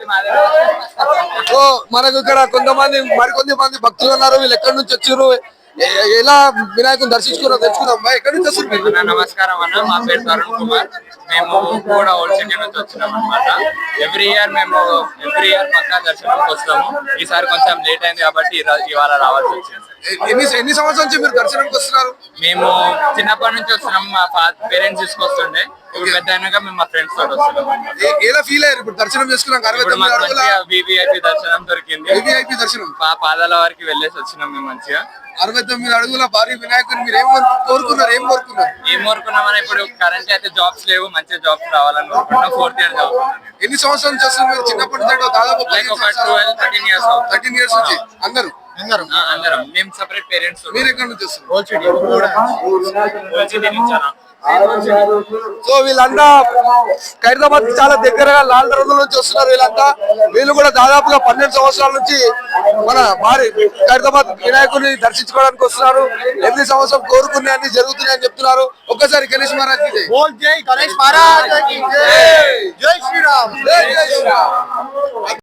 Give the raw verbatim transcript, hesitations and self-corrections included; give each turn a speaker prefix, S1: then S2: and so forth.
S1: So మనకు ఇక్కడ కొంతమంది మరికొంత మంది భక్తులు ఉన్నారు. వీళ్ళు ఎక్కడి నుంచి వచ్చారు, ఎలా వినాయకుని దర్శించుకున్నారో తెలుసుకుందాం. ఎక్కడి నుంచి వస్తారు?
S2: నమస్కారం అన్న, మా పేరు తరుణ్ కుమార్. మేము కూడా ఓల్డ్ సిటీ నుంచి వచ్చినాం అనమాట. ఎవ్రీ ఇయర్ మేము ఎవ్రీ ఇయర్ పక్కా దర్శనంకి వస్తాము. ఈసారి కొంచెం లేట్ అయింది కాబట్టి ఇవాళ రావాల్సి వచ్చింది.
S1: ఎన్ని ఎన్ని సంవత్సరాల నుంచి మీరు దర్శనంకి వస్తున్నారు?
S2: మేము చిన్నప్పటి నుంచి వస్తున్నాం. మా పేరెంట్స్ తీసుకొస్తుండే. ఇప్పుడు పెద్ద అయినాక మేము మా ఫ్రెండ్స్ తోటి వస్తున్నాం.
S1: ఎలా ఫీల్ అయ్యారు ఇప్పుడు దర్శనం చేసుకున్నాం?
S2: వివిఐపి దర్శనం దొరికింది.
S1: వివిఐపి దర్శనం
S2: పాదాల వారికి వెళ్ళేసి వచ్చినాం మేము మంచిగా.
S1: అరవై తొమ్మిది అడుగుల భారీ వినాయకుని మీరు ఏం కోరుకున్నారు? ఏం కోరుకున్నారు?
S2: ఏం కోరుకున్నామని ఇప్పుడు కరెంట్ అయితే జాబ్స్ లేవు, మంచి జాబ్స్ రావాలని కోరుకుంటున్నాం. ఫోర్త్ ఇయర్ చదువుతున్నాం.
S1: ఎన్ని సంవత్సరాల నుంచి వస్తున్నారు మీరు? చిన్నప్పటి నుంచి దాదాపు
S2: twelve thirteen years
S1: thirteen years నుంచి అందరూ
S2: అందరం అందరం మేము సెపరేట్ పేరెంట్స్.
S1: మీరు ఎక్కడ నుంచి వస్తున్నారు?
S2: ఓల్డ్ సిటీ నుంచి.
S1: సో వీళ్ళంతా ఖైరతాబాద్ చాలా దగ్గరగా లాల్ దర్వాజా నుంచి వస్తున్నారు. వీళ్ళంతా వీళ్ళు కూడా దాదాపుగా పన్నెండు సంవత్సరాల నుంచి మన భారీ ఖైరతాబాద్ వినాయకుడిని దర్శించుకోవడానికి వస్తున్నారు. ఎన్ని సంవత్సరం కోరుకునే అన్ని జరుగుతున్నాయని చెప్తున్నారు. ఒక్కసారి గణేష్ మహారాజ్ కి జై,
S3: గణేష్ మహారాజ్ కి జై, జై శ్రీరామ్,
S1: జై శ్రీరామ్.